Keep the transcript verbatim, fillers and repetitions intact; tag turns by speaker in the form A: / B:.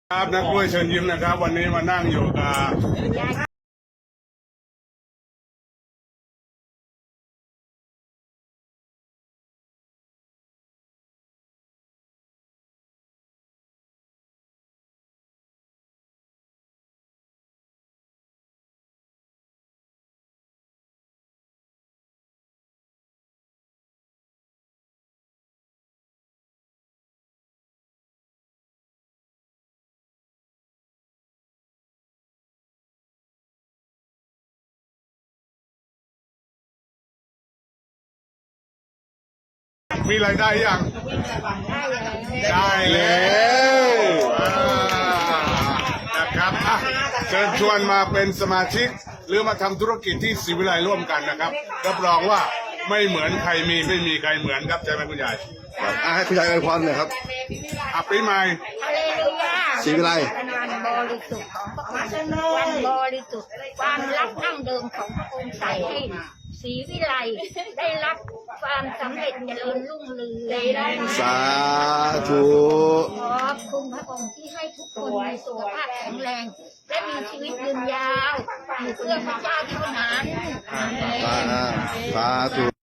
A: ครับนักกล้วยเชิญยิ้มนะครับวันนี้มานั่งอยู่กับมีรายได้ยังได้แล้วนะครับอ่ะเชิญชวนมาเป็นสมาชิกหรือมาทำธุรกิจที่ศรีวิไลร่วมกันนะครับรับรองว่าไม่เหมือนใครมีไม่มีใครเหมือนครับใช่ไหมคุณยาย
B: อ่ะให้คุณยายอวยพรหน่อยครับ
A: อ่ะปีใหม่
C: ฮาเลลูยา
B: ศรีวิไล
C: เป็นวันบริสุทธิ์ของพระองค์วันบริสุทธิ์ความรักดั้งเดิมของพระองค์ใส่ให้ศรีวิไลได้รับความสำเร็จเจริญรุ่งเรือง
B: สาธุ
C: ขอบคุณพระองค์ที่ให้ทุกคนมีสุขภาพแข็งแรง และมีชีวิตยืนยาวอยู่เพื่อพระเจ้าเท่านั้น
B: สาธุ